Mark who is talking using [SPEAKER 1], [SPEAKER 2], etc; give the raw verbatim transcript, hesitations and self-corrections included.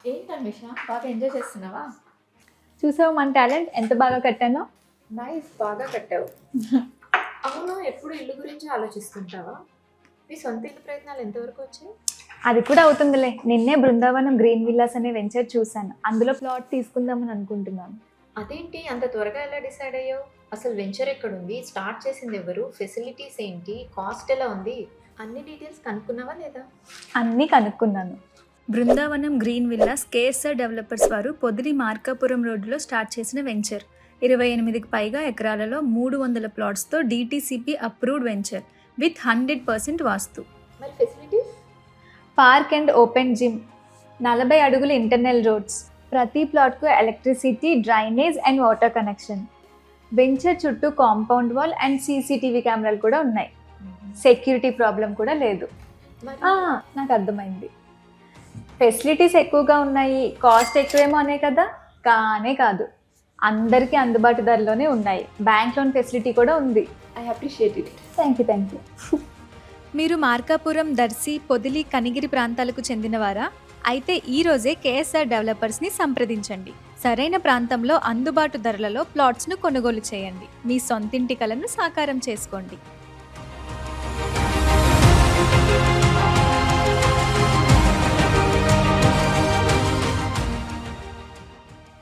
[SPEAKER 1] ఏంటి అన్వేష, బాగా ఎంజాయ్ చేస్తున్నావా?
[SPEAKER 2] చూసావు మన టాలెంట్ ఎంత బాగా కట్టానో.
[SPEAKER 1] నైస్, బాగా కట్టావు. అవును, ఎప్పుడు ఇల్లు గురించి ఆలోచిస్తుంటావా? మీ సొంత ఇల్లు ప్రయత్నాలు ఎంతవరకు వచ్చాయి?
[SPEAKER 2] అది కూడా అవుతుందిలే. నిన్నే బృందావనం గ్రీన్ విల్లాస్ అనే వెంచర్ చూశాను. అందులో ప్లాట్ తీసుకుందామని అనుకుంటున్నాను.
[SPEAKER 1] అదేంటి అంత త్వరగా ఎలా డిసైడ్ అయ్యావు? అసలు వెంచర్ ఎక్కడుంది, స్టార్ట్ చేసింది ఎవరు, ఫెసిలిటీస్ ఏంటి, కాస్ట్ ఎలా ఉంది, అన్ని డీటెయిల్స్ కనుక్కున్నావా లేదా?
[SPEAKER 2] అన్నీ కనుక్కున్నాను. Brindavanam green villas KSR developers వారు పొదిలి మార్కాపురం రోడ్డులో స్టార్ట్ చేసిన వెంచర్. ఇరవై ఎనిమిదికి పైగా ఎకరాలలో మూడు వందల ప్లాట్స్తో DTCP approved venture with hundred percent vastu.
[SPEAKER 1] మరి facilities?
[SPEAKER 2] Park and open gym, నలభై అడుగుల ఇంటర్నల్ రోడ్స్, ప్రతి ప్లాట్కు electricity, drainage and water connection. Venture చుట్టూ కాంపౌండ్ వాల్ అండ్ సీసీటీవీ కెమెరాలు కూడా ఉన్నాయి. సెక్యూరిటీ ప్రాబ్లం కూడా లేదు.
[SPEAKER 1] మరి
[SPEAKER 2] ఆ, నాకు అర్థమైంది. ఫెసిలిటీస్ ఎక్కువగా ఉన్నాయి, కాస్ట్ ఎక్కువేమో అనే కదా? కానే కాదు, అందరికీ అందుబాటు ధరలోనే ఉన్నాయి. బ్యాంక్ లోన్ ఫెసిలిటీ కూడా ఉంది.
[SPEAKER 1] I appreciate it.
[SPEAKER 2] Thank you thank you మీరు మార్కాపురం, దర్శి, పొదిలి, కనిగిరి ప్రాంతాలకు చెందినవారా? అయితే ఈ రోజే కేఎస్ఆర్ డెవలపర్స్ని సంప్రదించండి. సరైన ప్రాంతంలో అందుబాటు ధరలలో ప్లాట్స్ను కొనుగోలు చేయండి. మీ సొంతింటి కలను సాకారం చేసుకోండి.